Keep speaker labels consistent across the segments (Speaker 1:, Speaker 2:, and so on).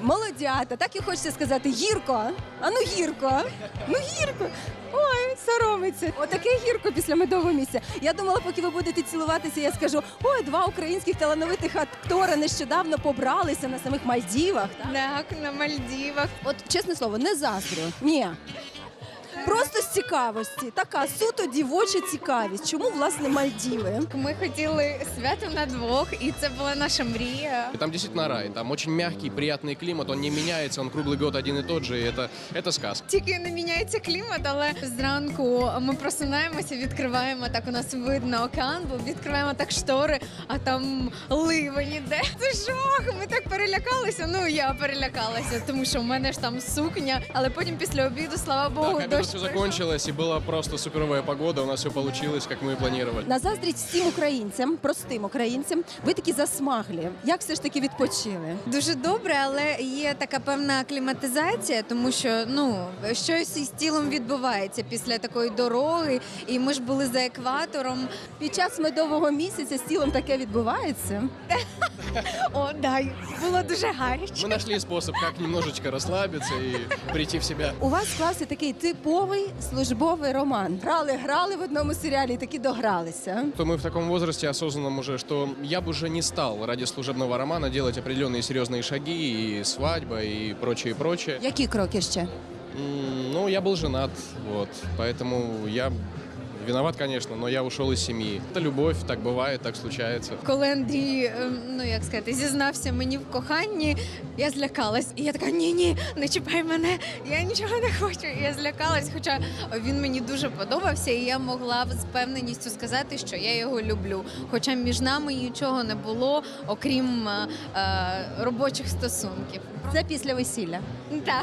Speaker 1: Молодята, так і хочеться сказати, гірко, а ну гірко, ну гірко. Ой, соромиться. Отаке гірко після медового місця. Я думала, поки ви будете цілуватися, я скажу, ой, два українських талановитих актора нещодавно побралися на самих Мальдівах.
Speaker 2: Так, на Мальдівах.
Speaker 1: От, чесне слово, не заздрю. Ні. Просто з цікавості. Така суто дівоча цікавість. Чому, власне, Мальдіви?
Speaker 2: Ми хотіли свято на двох, і це була наша мрія.
Speaker 3: И там действительно рай. Там очень мягкий, приятный климат, он не меняется, он круглый год один и тот же, и это сказка.
Speaker 2: Тільки не міняється клімат, але зранку ми просинаємося, відкриваємо, так у нас видно океан, бо відкриваємо так штори, а там ливень іде. Це жах, ми так перелякалися, ну я перелякалася, тому що в мене ж там сукня, але потім після обіду, слава Богу,
Speaker 3: Так, обед
Speaker 2: дощ
Speaker 3: все
Speaker 2: пройшов.
Speaker 3: закончилось, и была просто суперовая погода, у нас все получилось, как мы и планировали.
Speaker 1: На заздрість всім українцям, простим українцям, ви такі засмаглі. Як все ж таки відпочили?
Speaker 2: Дуже добре, але є така певна акліматизація, тому що щось із тілом відбувається після такої дороги, і ми ж були за екватором.
Speaker 1: Під час медового місяця з тілом таке відбувається?
Speaker 2: О, дай, було дуже гаряче.
Speaker 3: Мы нашли способ, как немножечко расслабиться и прийти в себя.
Speaker 1: У вас склався такий типовий службовий роман. Грали в одному серіалі і таки догралися.
Speaker 3: То мы в таком возрасте осознанном уже, что я бы уже не стал ради служебного романа делать определенные серьезные шаги, и свадьба, и прочее, прочее.
Speaker 1: Які кроки ще?
Speaker 3: Ну, я был женат, вот, поэтому я виноват, конечно, но я ушел из семьи. Это любовь, так бывает, так случается.
Speaker 2: Коли Андрій, зізнався мені в коханні, я злякалась. І я така, ні, не чіпай мене, я нічого не хочу. І я злякалась, хоча він мені дуже подобався, і я могла з впевненістю сказати, що я його люблю. Хоча між нами нічого не було, окрім робочих стосунків.
Speaker 1: Це після весілля.
Speaker 2: Так.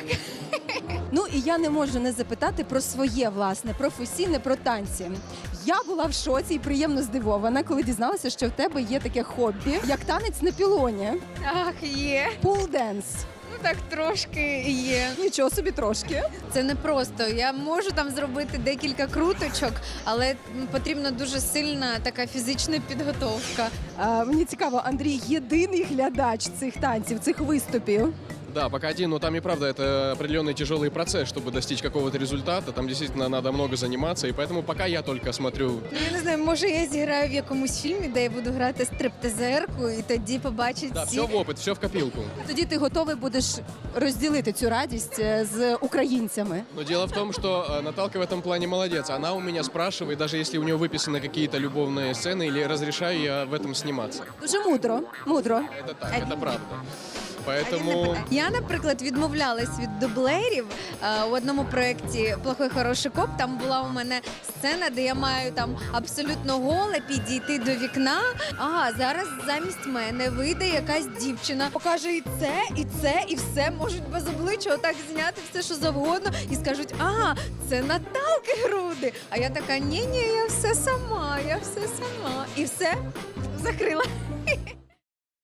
Speaker 1: Ну і я не можу не запитати про своє власне професійне, про танці. Я була в шоці і приємно здивована, коли дізналася, що в тебе є таке хобі, як танець на пілоні.
Speaker 2: Так, є.
Speaker 1: Пул-денс.
Speaker 2: Ну так трошки є.
Speaker 1: Нічого собі трошки.
Speaker 2: Це не просто. Я можу там зробити декілька круточок, але потрібна дуже сильна така фізична підготовка.
Speaker 1: Мені цікаво, Андрій єдиний глядач цих танців, цих виступів.
Speaker 3: Да, пока один, но там и правда это определенный тяжелый процесс, чтобы достичь какого-то результата. Там действительно надо много заниматься, и поэтому пока я только смотрю.
Speaker 2: Я не знаю, може я зіграю в якомусь фільмі, де я буду грати стриптизерку, і тоді побачать
Speaker 3: Да,
Speaker 2: всі.
Speaker 3: все в опыт, все в копилку.
Speaker 1: Тоді ти готовий будеш розділити цю радість з українцями.
Speaker 3: Но дело в том, что Наталка в этом плане молодец. Она у меня спрашивает, даже если у нее выписаны какие-то любовные сцены, или разрешаю я в этом сниматься.
Speaker 1: Дуже мудро.
Speaker 3: Это так, это правда. Поэтому...
Speaker 2: Я, наприклад, відмовлялась від дублерів. У одному проєкті «Плохой хороший коп» там була у мене сцена, де я маю там абсолютно голе підійти до вікна. А зараз замість мене вийде якась дівчина, покаже і це, і все, можуть без обличчя отак зняти все, що завгодно, і скажуть, ага, це Наталки груди. А я така, ні, я все сама. І все, закрила.